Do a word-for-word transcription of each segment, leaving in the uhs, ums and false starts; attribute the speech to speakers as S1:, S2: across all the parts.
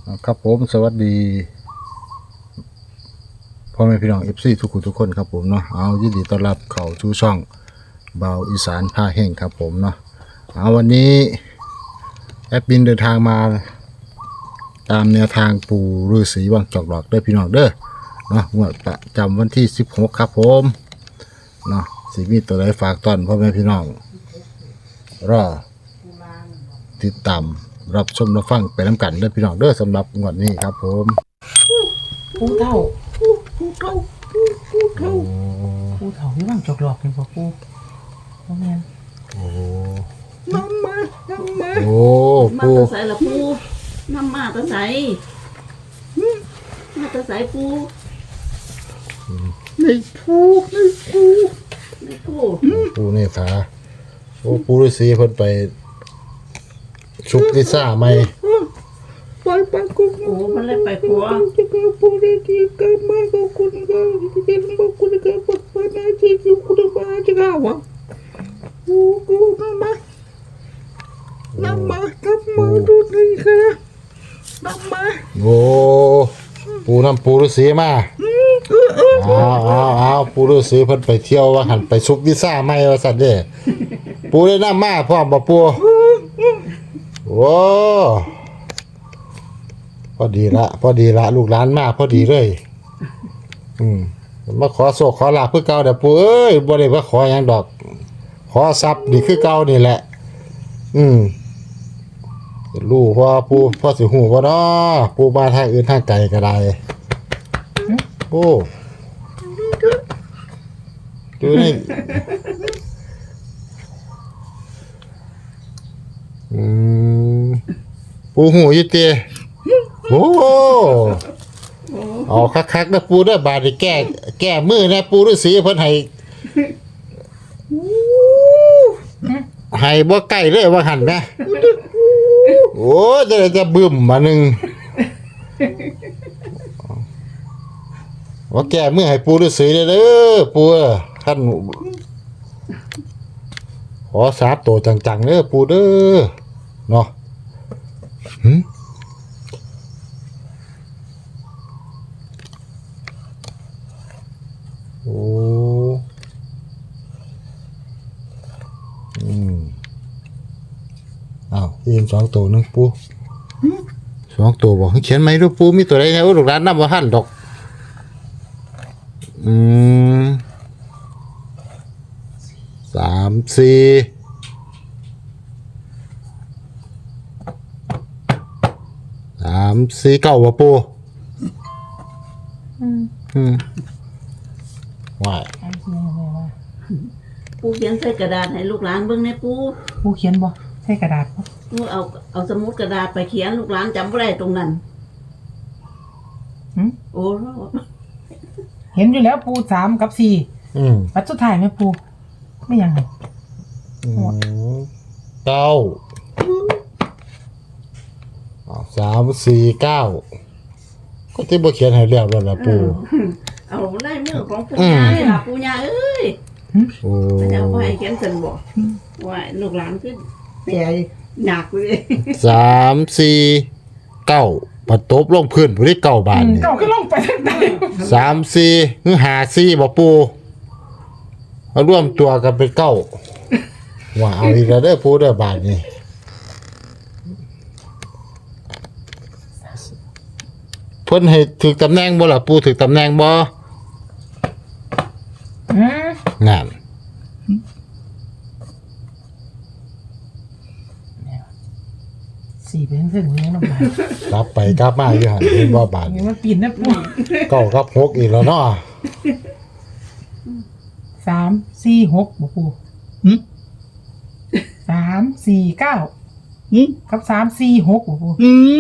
S1: ครับผมสวัสดีพ่อแม่พี่น้องเอฟซีทุกคนทุกคนครับผมเนาะเอายินดีต้อนรับเข้าสู่ช่องเบาอีสานพาแห่งครับผมเนาะเอาวันนี้แอดมินเดินทางมาตามแนวทางปู่ฤาษีวังจอกดอกเด้อพี่น้องเด้อเนาะงวดประจำวันที่สิบหกครับผมเนาะสิมีตัวใดฝากต้อนพ่อแม่พี่น้องรอติดตามรับชมรับฟังไปน้ำกันเด้อพี่น้องเด้อสำหรับงวดนี้ครับผม
S2: ผู้เฒ่าผู้เฒ่าผู้เฒ่าผู้เฒ่าที่ว่างจอกหลอกเป็นบ่ผู้บ่แม่น
S1: โอ้
S2: น้ำมาน้ำมา
S1: โอ้
S3: มา
S1: ปู
S3: แตะใส่ละปูน้ำมาแตะใส่มาแตะใส่ปู
S2: ในผู้ในผู้
S3: ในปู
S1: ปูนี่ขาโอ้ปูฤาษีเพิ่นไปชุบลิซ่าใหม่
S2: ไปไปกุม
S3: โอ้มันเลยไปขัว
S2: จะก็ผู้ได้ที่ก็มาก็คุณก็จะก็คุณก็ปักไปนะที่อยู่คุณก็จะก็ว่าโอ้กูน้ำมาน้ำมาน้ำมาดูนี่ค่ะน้ำมา
S1: โอ้ปูน้ำปูฤาษีมาเอาเอาเอาปูฤาษีเพิ่นไปเที่ยวว่าหันไปชุบลิซ่าใหม่ว่าซั่นเด้ปูได้น้ำมาพร้อมบ่ปูโอ้พอดีละพอดีละลูกหลานมาพอดีเลยอืมมาขอโชคขอลาภเพื่อเก่าเด้อปู่เอ้ยบ่ได้ว่าขอหยังดอก ขอทรัพย์นี่คือเก่านี่แหละ อืมรู้พ่อปู่พ่อสิฮู้บ่เนาะปู่มาทางอื่นทางไกลก็ได้โอ้ดูนี่อืมปู่ฮู้อยู่ติโอ้เอาคักๆนะปู่เด้อบาดนี้แก้แก้มือนะปู่ฤาษีเพิ่นให้ให้บ่ใกล้เลยว่าหั่นนะโอ้จะได้จะบึ้มมาหนึงว่าแก้มือให้ปู่ฤาษีเด้อเด้อปู่ท่านขอสาบโตจังๆเด้อปู่เด้อเนาะหึโอ้อืมอ้าวยินสองตัวนึงปูสองตัวบอกให้เขียนไหมด้วยปูมีตัวใดเนี่ยโอ้ลูกหลานนับว่าหันดอกอืมสามสี่สามสี่เก้าว่ะปูอืมอืมว่า
S2: ไอ้ที่แม่ว่า
S3: ปูเขียนใส่กระดาษให้ลูกหลานเบิ่งในปู
S2: ผู้เขียนบ่ใส่กระดาษบ่
S3: ปูเอาเอาสมุดกระดาษไปเขียนลูกหลานจำบ่ได้ตรงนั้น
S2: หึ
S3: โอ้
S2: เห็นอยู่แล้วปูสามกับสี่
S1: อืม
S2: ปัดสุดท้ายแม่ปูไม่ยังไง
S1: อืมเก้าอ้าวสามสี่เก้าก็ที่บ่เขียนให้แล้วแล้วล่ะปู
S3: เอาไล่มือของปูย่านี่ล่ะปูย่าเอ้ย
S1: โอ้
S3: มันจะเอาไว้ให้เขียนเสร็จบ่ว่าลูกหลานขึ้นเปียหนักเลย
S1: สามสี่เก้าปัดตบลงพื้นผู้ที่เก้าบาทนี่
S2: เก่าก็ลงไปทางใต้
S1: สามสี่หรือหาสี่บ่ปูเอาร่วมตัวกันเป็นเก้าว่าเอาอีกแล้วเด้อปูเด้อบาทนี่เพิ่นให้ถึกตำแหน่งบ่ล่ะปูถึกตำแหน่งบ่
S2: อืม
S1: งาน
S2: สี่เป็นเส้นนี้ลงไป
S1: กลับไปกลับมาอยู่หั่นเห็นบ่บาท
S2: นี่มันปีนนะปู
S1: เก้ากับหกอีกแล้วเนาะ
S2: สามสี่หกบ่ปูสามสี่เก้ากับสามสี่หกบ่ปู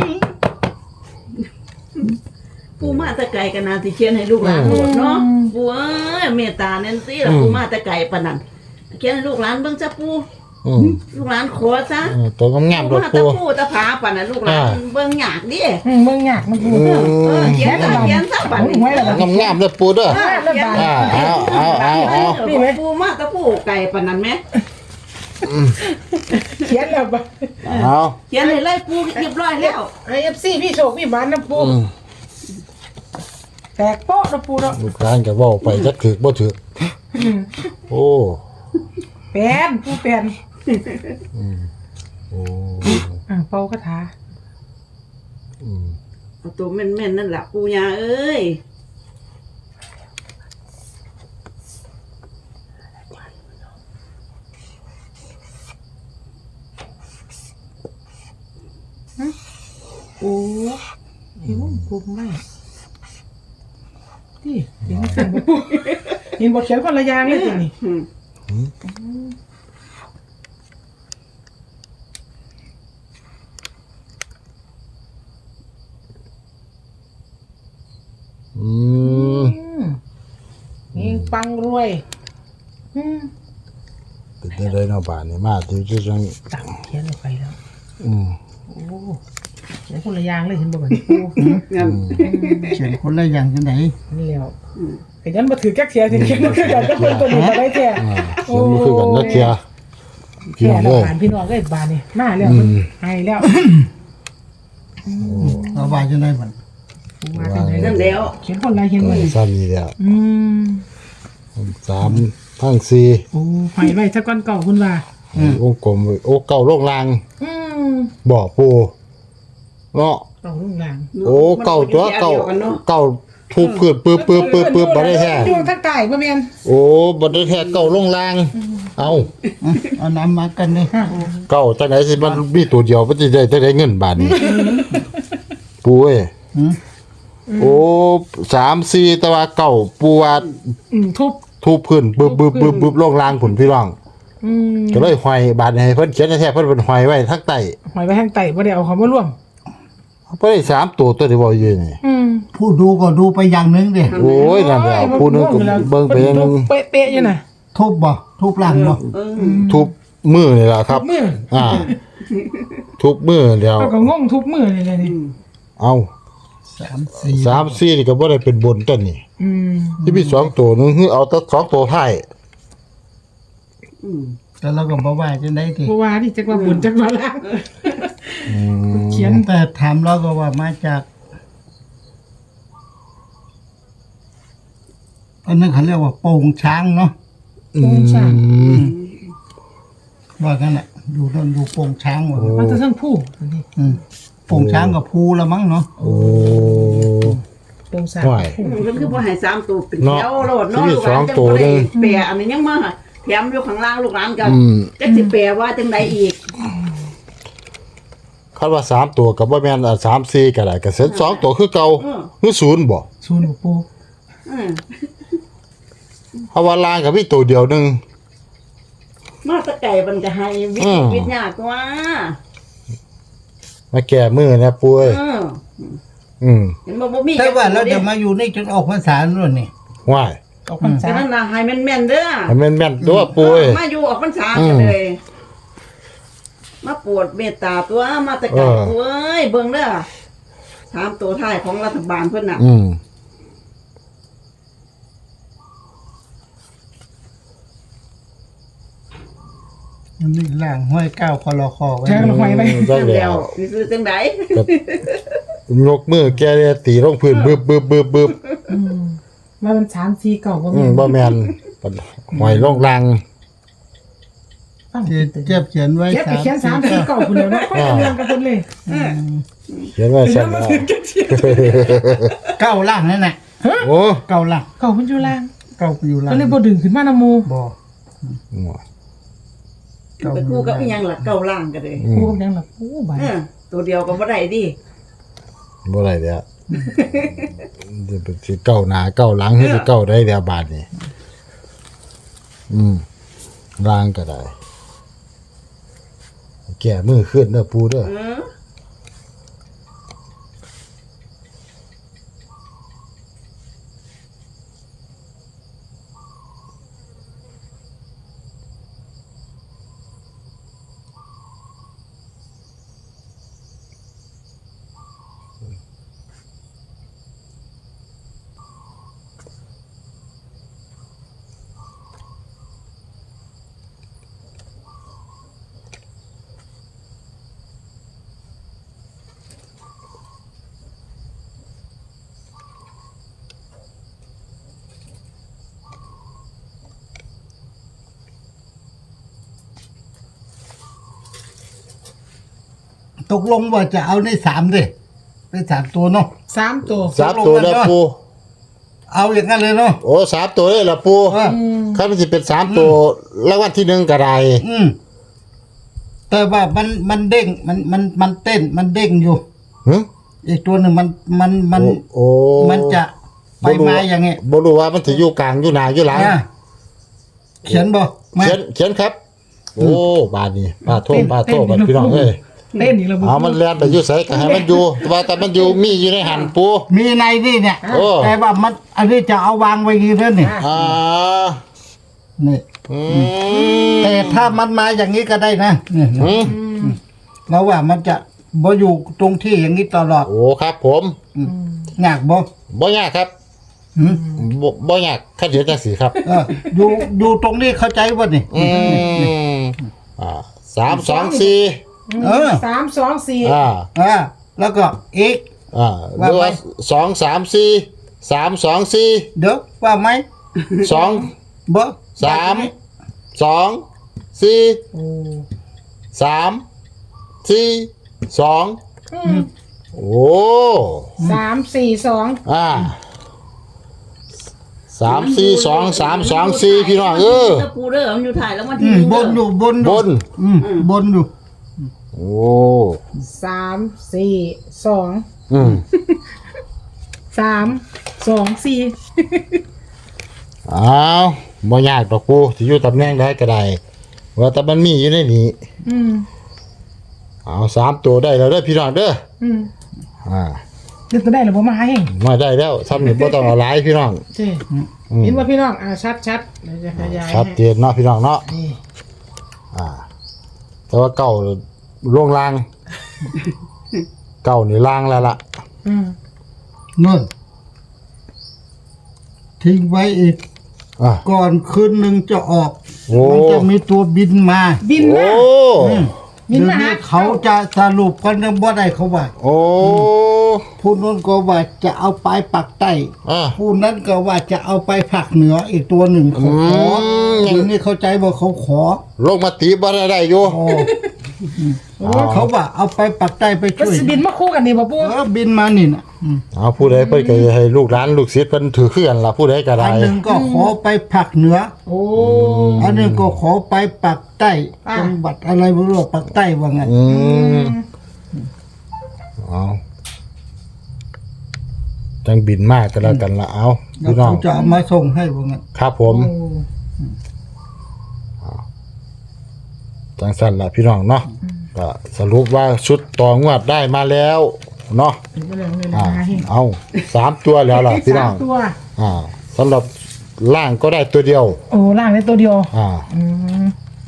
S3: ปูมาแตะไก่กันนาสิเขียนให้ลูกหลานหมดเนาะปูเอ้ยเมตตาแน่นสิล่ะปูมาแตะไก่ปานนั้นเขียนให้ลูกหลานเบิ่งจ้ะปู
S1: อืม
S3: ลูกหลานขอซะ
S1: เออตัวงามๆ
S3: ปู
S1: โดด
S3: มา
S1: ปู
S3: ตะปูตะผาปานนั้นลูกหลานเบิ่งยากดิ
S2: อืมเมืองยากนะปู
S1: อืม
S3: เออเขียนซะเขียนซะบัดนี้
S2: ไว้แล้วบัด
S1: งามๆเด้อปูเด้อ
S3: เออเขียนซะ
S1: อ่าเอาเอาเอาเอา
S3: นี่แม่ปูมาตะปูไก่ปานนั้นแม่
S2: เขียนแล้วบ่
S1: เอา
S3: เขียนให้เลยปูเรียบร้อยแล้ว
S2: ไอเอฟซีพี่โชคพี่หมันนะปู
S1: อืม
S2: แตกโป๊ะนะปูเนาะ
S1: ลูกหลานก็เว้าไปจักถึกบ่ถึกโอ้
S2: แปลนปูแปลน
S1: โอ้
S2: อ่าเป่าคาถา
S1: อืม
S3: เอาตัวแม่นๆนั่นแหละปูยาเอ้ย
S2: โอ้เห็นว่าปูไม่ที่เห็นสั่งบ่ปูเห็นบทเขียนคนละอย่างเลยทีนี่
S3: อืม
S1: อืม
S2: เฮงปังรวยอืม
S1: เป็นจังได๋เนาะบาดนี้มาที่ที่จัง
S2: ตังเขียนลงไปแล้ว
S1: อืม
S2: โอ้เขียนคนละอย่างเลยเห็นบ่เหมือนปู
S3: งั้น
S4: เขียนคนละอย่างจังได
S2: นี่แล้ว
S3: อืม
S2: ไอ้ยันมาถือแก๊กเสียสิเขียนมาคือกันก็เป็นตัวนี้มาได้แท้
S1: อ่าเขียนบ่คือกันนะเทียพี่
S2: แค่
S1: น้อง
S2: เรา
S1: เอ้ย
S2: ผ่านพี่น้องเลยบานนี่มาแล้วมันให้แล้ว
S4: เราว่าจังได๋บัด
S2: ปูมาจังไหน
S3: นั่นแล้ว
S2: เขียนคนละเขียน
S1: ก็
S2: ไว้
S1: ซ้ำนี่แหละ
S2: อืม
S1: สามทั้งสี่
S2: โอ้ให้ไว้สักก้อนเก่าคุณว่า
S1: วงกลมไว้โอ้เก่าโลกลาง
S2: อืม
S1: บ่ปูเนาะ
S2: เก่าลุงหลาง
S1: โอ้เก่าตัวเก่า
S3: มันอยู่แถวดียวกันเนาะ
S1: เก่าทุบพื้นปึ๊บปึ๊บปึ๊บปึ๊บบ่ได้แท้
S2: อยู่ทางใต้บ่แม่น
S1: โอ้บ่ได้แท้เก่าโลกลางเอ้า
S4: อ่ะเอาน้ำมากันนี่
S1: เก่าจังไหนสิมันมีตัวเดียวมันสิได้จะได้เงินบาทนี้ปูเอ้ย
S4: หือ
S1: โอ้สามสี่แต่ว่าเก่าปูว่า
S2: อืมทุบ
S1: ทุบพื้นบึบบึบบึบบึบโลกลางผุนพี่น้อง
S2: อืม
S1: ก็เลยห้อยบาทให้เพิ่นเขียนแท้ๆเพิ่นเป็นห้อยไว้ทางใต้
S2: หอยไว้ทางใต้บ่ได้เอาของมาร่วม
S1: บ่ได้สามตัวตัวที่บ่อยู่นี่
S2: อืม
S4: ผู้ดูก็ดูไปอย่างหนึงดิ
S1: โอ้ยนั่นแหละผู้หนึงก็เบิ่งไปอย่างหนึง
S2: เป๊ะๆอยู่น่ะ
S4: ทุบบ่ทุบหลังบ่
S3: เออ
S1: ทุบมือนี่ล่ะครับ
S2: มือ
S1: อ่า ทุบมือเดียว
S2: เอาก็งงทุบมือเลยเลยนี่
S1: เอา
S4: สามสี่
S1: สามสี่นี่ก็บ่ได้เป็นบนต้นนี่
S2: อืม
S1: ที่มีสองตัวหนึงคือเอาแต่สองตัวท้าย
S3: อืม
S4: แต่เราก็บ่ว่าจังได๋ติ
S2: บ่ว่านี่จักว่าบุญจักว่าลาง
S1: อืม
S2: เขียน
S4: แต่ถามเราก็ว่ามาจากอันนั้นเขาเรียกว่าโป่งช้างเนาะ
S1: อืม
S4: ว่ากันน่ะอยู่ต้นดูโป่งช้างว่า
S2: มันจะเทั้งผู้นี่
S4: อืมโป่งช้างกับภูละมั้งเนาะ
S1: โอ้
S2: โปงสา
S1: ห่วย
S3: อืมเพิ่นคือบ่ให้สามตัวเป็น
S1: เนาะ
S3: แถวโลดเนาะ
S1: ที่
S3: ลูกหลาน
S1: สอง
S3: จัง
S1: ตัว
S3: บ่
S1: เด้
S3: ได้
S1: อ
S3: แปะอันนี้ยังมาแถมอยู่ข้างล่างลูกหลานก็
S1: อืม
S3: จักสิแปลว่าจังใดอีก
S1: คาดว่าสามตัวก็บ่แม่นอ่ะสามสี่ก็ได้ก็เสร็จสองตัวคือเก่าคือศูนย์บ่
S2: ศูนย์บ่ปู
S3: อืม
S1: เพราะว่าล่างก็มีตัวเดียวหนึง
S3: มาแตะไก่มันก็ให้วิ
S1: อืม
S3: วิทยากว่า
S1: มาแก้มือนะปุ้ย
S3: เออ
S1: อืม
S3: เห็นบ่บ่มี
S4: แต่ว่าเราจะมาอยู่นี่จนออกพรรษาแล้วนี่
S1: ว่าย
S2: ออกพรร
S3: แต่
S2: ษา
S3: นั่นน่ะให้แม่นๆเด้อ
S1: ให้แม่นๆตัวปุ้ย
S3: มาอยู่ออกพรรษา
S1: อืม
S3: กันเลย มาโปวดเมตตาตัวมาแตะไก่
S1: เออ
S3: ตัวเอ้ยเบิ่งเด้อสามตัวท้ายของรัฐบาลเพิ่นน่ะ
S1: อืม
S4: มันนี่ล่างห้อยก้าวคอรอคอไว้
S2: แทงลงไปไป
S1: จัง
S3: จัง
S1: แล้
S3: แล้ว วนี่คือจังได
S1: ยกมือแกเลยตีลงพื้นบึบบึบบึบบึบ
S2: อืมว่ามันสามสี่เก่าบ่
S1: อื
S2: แม่
S1: ม
S2: น
S1: บ่แม่นหอยลงลัง
S2: ฟัง
S4: เจ็บเจ็บเขียนไว้
S2: เจ็บไปเขียนสามสี่เก่าพุ่นแล้วเนาะค่อยเรียนกันเพิ่นเลย
S3: เออ
S1: เขียนไว้
S2: เดี๋
S1: ซั่
S2: ย
S1: น
S2: วมา
S1: แล้ว
S2: ถึงกันเสีย
S4: เก้าล่างนั่นน่ะ
S1: โอ้
S4: เก้าล่าง
S2: เก่ามันอยู่ล่าง
S4: เก้าอยู่ล่าง
S2: ก็เลยบ่ดึงขึ้นมานำหมู่
S4: บ่ เก้า
S3: ไป
S4: อ
S3: คู่
S4: ยู่
S3: กับ
S4: ล่าง
S3: อีหยังล่ะเก้าล่างกันเลย
S1: อื
S2: ครู
S1: ม
S2: ก็ยังล่ะโอ้บาด
S3: เออตัวเดียวก็บ่ได้ดิ
S1: บ่ได้แล้วจะเป็นสิเก้าหน้าเก้าหลังให้สิเก้าได้แล้วบาดนี้อืมล่างก็ได้ แก่มือขึ้นเด้อปูเด้อ
S3: เออ
S4: ตกลงว่าจะเอาในสามดิเป็นสามตัวเนาะ
S2: สามตัว
S1: สามตัวแล้วปู
S4: เอาอย่างนั้นเลยเนาะ
S1: โอ้สามตัวเลยล่ะปู
S4: เออ
S1: ถ้ามันสิเป็นสามตัวรางวัลที่หนึ่งก็ได้
S4: อืมแต่ว่ามันมันเด้งมันมันมันเต้นมันเด้งอยู่
S1: หึ
S4: อีกตัวหนึ่งมันมันมัน
S1: โอ้
S4: มันจะไปมาอย่างเงี้ย
S1: บ่รู้ว่ามันสิอยู่กลางอยู่หน้าอยู่หลัง
S4: อ่ะเขียนบ่มา
S1: เขียนเขียนครับ โอ้บาดนี้ปาโทษปาโทษบัดพี่น้องเอ้ย
S2: เล่นอีกแล้ว
S1: เอามันแล่นไปอยู่ไสก็ให้มันอยู่แต่ว่าแต่มันอยู่มีอยู่ในหันปู
S4: มีในนี่เนี่ย
S1: โอ้
S4: แต่ว่ามันอันนี้จะเอาวางไว้กี่เท่านี่
S1: อ่า
S4: นี่
S1: อืม
S4: แต่ถ้ามันมาอย่างนี้ก็ได้นะนี่
S1: อืม
S4: เราว่ามันจะบ่อยู่ตรงที่อย่างนี้ตลอด
S1: โอ้ครับผม
S4: ยากบ่
S1: บ่ยากครับ
S4: หืม
S1: บ่บ่ยากคันเดียวจังสีครับ
S4: เอออยู่อยู่ตรงนี้เข้าใจบ่นี่
S1: อืมอ่าสามสองสี่
S4: เออ
S2: สามสองสี่
S1: อ่า
S4: อ่าแล้วก็อีก
S1: อ่าหรือว่าสองสามสี่สามสองสี่
S4: เดี๋ยวว่าไหม
S1: สอง
S4: บ่
S1: สามสองสี่สามสี่สองโอ้
S2: สามสี่สอง
S1: อ่าสามสี่สองสามสองสี่พี่น้องเออ
S3: ถ้าปูเด้อมันอยู่ถ่ายแล้ววัน
S4: อื
S3: ที่ห
S4: ม
S3: นึ่ง
S4: บ
S3: เด้อน
S4: อยู่บนอบ ยู่
S1: น
S4: อืมบนอยู่
S1: โอ้
S2: สามสี่สอง
S1: อืม
S2: สามสองสี่
S1: อ้าวบ่ยากดอกปูที่อยู่ตำแหน่งใดก็ได้ว่าแต่มันมีอยู่ในนี้
S2: อืม
S1: เอาสามตัวได้แล้วเด้อพี่น้องเด้อ
S2: อืม
S1: อ่า
S2: เดี๋ยวจะได้หรือบ่มาให้
S1: มาได้แล้วทำนี่บ่ต้องเอาหลายพี่น้อง
S2: ใช่
S1: อืม
S2: เห็นว่าพี่น้องอ่าชัดชัดเดี๋ยวจะขยาย
S1: ชัด
S2: ให้
S1: เจนเนาะพี่น้องเนาะ
S2: นี่
S1: อ่า แต่ว่าเก่าล่วงลาง เก่านี่ลางแล้วล่ะ
S2: อืม
S4: นู่นทิ้งไว้อีก
S1: อ่า
S4: ก่อนคืนหนึ่งจะออก
S1: โอ้
S4: มันจะมีตัวบินมา
S2: บิน
S1: โอ้
S2: มา บิ
S4: เดี๋
S2: น
S4: ยว
S2: มาหา
S4: นี้เขาจะสรุปกันนะบ่ได้เขาว่า
S1: โอ้
S4: ผู้นู้นก็ว่าจะเอาไปปักใต้
S1: อ่า
S4: ผู้นั้นก็ว่าจะเอาไปภาคเหนืออีกตัวหนึ่งเขาขอ
S1: อืม
S4: เดี๋ยวนี้เข้าใจว่าเขาขอ
S1: ลงมาตีบ่ได้ได้อยู่
S4: โอ้เขาว่าเอาไปปักใต้ไป
S2: มัน
S4: ช่วย
S2: สิบินมาคู่กันนี่บ่ปู
S4: เออบินมานี่นะอืม
S1: เอาผู้ใดเพิ่นก็ให้ลูกหลานลูกศิษย์เพิ่นถือเครื่องล่ะผู้ใดก็ได้
S4: อันหนึ่งก็ขอไปภาคเหนือ
S2: โอ้
S4: อันหนึ่งก็ขอไปปักใต้
S2: อ่า
S4: จังหวัดอะไรไม่รู้ปักใต้ว่างั้น
S1: อืมเอาจังบินมากก็แล้วกันละเอา
S4: แล้ว
S1: พี่น้อง
S4: เขาจะเอามาส่งให้ว่างั้น
S1: ครับผม
S2: โอ้
S1: จังสั้นละพี่น้องเนาะก็สรุปว่าชุดต่องวดได้มาแล้วเนาะ
S2: เป็นเรื่องเลย
S1: อ่า
S2: นะให้
S1: เอาสามตัวแล้วล่ะพี่น้อง
S2: สามตัว
S1: อ่าสำหรับล่างก็ได้ตัวเดียว
S2: โอ้ล่างได้ตัวเดียว
S1: อ่า
S2: อืม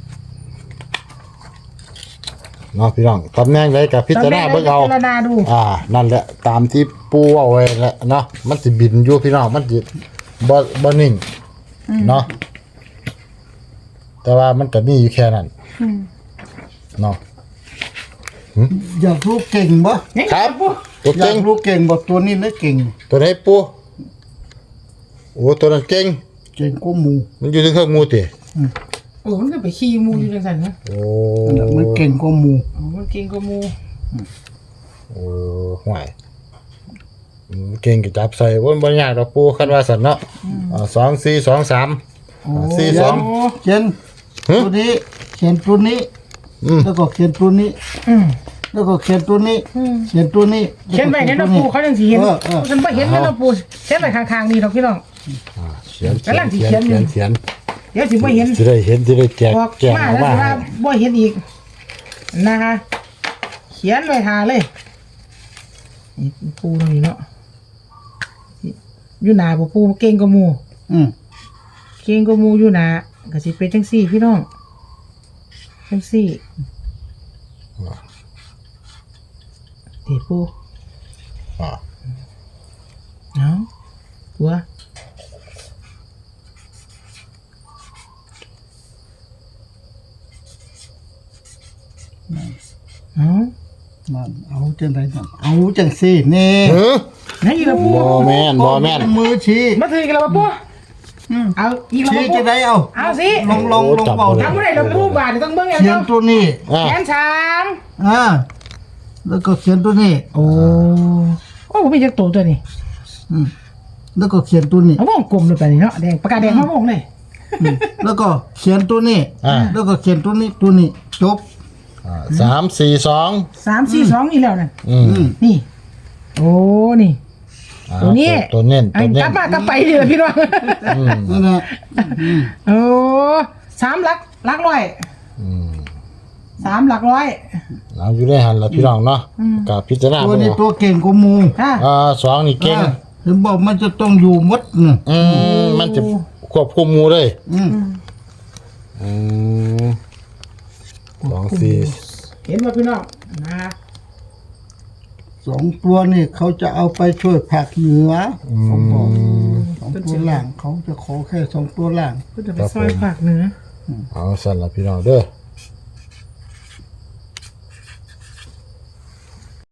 S1: เนาะพี่น้องตำแหน่งใดกับพิจารณาเบิ่งเอา
S2: พิจารณาดู
S1: อ่า นั่นแหละตามที่ปูเอาไว้แหละเนาะมันสิบินอยู่พี่น้องมันสิบ่บ่นิ่งเนาะแต่ว่ามันก็มีอยู่แค่นั้น
S2: อืม
S1: เนาะ
S4: อยากรู้เก่งบ่
S1: ครับ
S2: ปู
S1: ตัว
S4: อยา
S1: เก่
S4: ก
S1: ง
S4: รู้เก่งบ่ตัวนี้นะเก่ง
S1: ตัวไหนปูโอ้ตัวนั้นเก่ง
S4: เก่งกว่าหมู
S1: มันอยู่ที่เครื่องมูติ
S2: โอ้มันก็ไปขี่มูอยู่จังซั่นนะ
S1: โอ้
S4: นั่นน่ะมันเก่งกว่าหมู
S2: โอ้มันเก่งกว่ามู
S1: โอ้ห่วยอืมเก่งก็จับใส่บ่บ่ยากดอกปูคันว่าซั่นเนาะอ่าสองสี่สองสาม
S4: โอ้
S1: สี่สอง
S4: เขียน
S1: หึ
S4: ตัวนี้เขียนตัวนี้
S1: อืม
S4: แล้วก็เขียนตัวนี้
S2: อืม
S4: แล้วก็เขียนตัวนี้
S2: อืม
S4: เขียนตัวนี้
S2: เขียนไว้ในน้ำปูเขาจังสิเห็น
S4: เออเออ
S2: ฉันบ่เห็นในน้ำปูเขียนไว้ข้างๆนี่ดอกพี่น้อง
S1: อ่าเขียน
S2: กำลังสิ
S1: เขียน
S2: เขี
S1: เขี
S2: ย
S1: ย
S2: น
S1: นเขียน
S2: เดี๋ยวสิบ่เห็น
S1: สิได้เห็นสิได้แจก
S2: ออก
S1: แจก
S2: มา
S1: ออก
S2: แล้ว
S1: มา
S2: สิว่าบ่เห็นอีกนะคะเขียนไว้หาเลยนี่ปูตรงนี้เนาะอยู่หน้าบ่ปูเก่งกว่าหมู่
S4: อืม
S2: เก่งกว่าหมู่อยู่หน้าก็สิเป็นจังซี่พี่น้องจังซี่เดี๋ยวปู
S1: อ่า
S2: เอาตัวเอา
S4: นั่นเอาจังไดนั่นเอาจังซี่นี่
S1: เออ
S2: ไหนอีกแล้วปู
S1: บ่แม่นบ่แม่น
S4: มือชี้
S2: มาถืออีกแล้วปูเอาอีกแล้ว
S4: ชี้
S2: ปู
S4: จะได้เอา
S2: เอาสิ
S4: ลองลองลองเบา
S2: ทำอะไรเราปูบาทนี่ต้องเบิ่งอย่าง
S4: เขีย
S2: เดี
S4: น
S2: ยว
S4: ตัวนี้
S1: อ่า
S2: แขนช้าง
S4: อ่าแล้วก็เขียนตัวนี้
S2: โอ้โอ้ผมมีจักตัวตัวนี้
S4: อืมแล้วก็เขียนตัวนี้
S2: เอาวงกลมเลยไปนี่เนาะแดงปากกาแดงมาวงเลย
S4: อืมแล้วก็เขียนตัวนี้
S1: อ่า
S4: แล้วก็เขียนตัวนี้ตัวนี้จบ
S1: อ่าสามสี่สอง
S2: สามสี่สองนี่แล้วนั่น
S1: อืม
S4: อืม
S2: นี่ โอ้นี่
S1: อ่า
S2: ตัวนี้
S1: ตัวเน้น
S2: ไอ้
S1: ตัวเน้
S2: กลั
S1: น
S2: บมากลับไปนี่แหละพี่น้อง
S1: อืม
S4: นั่นแหละอืม
S2: โอ้สามหลักหลักร้อย
S1: อืม
S2: สามหลักร้อย
S1: เอาอยู่ได้หันละพี่น้องเนาะ
S2: อืม
S1: กับพิจารณา
S4: ตัว
S1: เบิ่ง
S4: นี้
S1: เอา
S4: ตัวเก่งกว่าหมู
S2: ค่ะ
S1: อ่าสองนี่เก่ง
S4: อ่าถึงบอกมันจะต้องอยู่หมดน่ะ
S1: อืมมันจะควบคุมหมูเลย
S4: อืม
S1: อืมสองสี่
S2: เห็นว่าพี่น้องนะ
S4: สองตัวนี่เขาจะเอาไปช่วยผักเหนือเขาบอกสองตัวล่างเขาจะขอแค่สองตัวล่าง
S2: ก็จะไปซอยผักเนื้อ
S1: เอาสั่นละพี่น้องเด้อ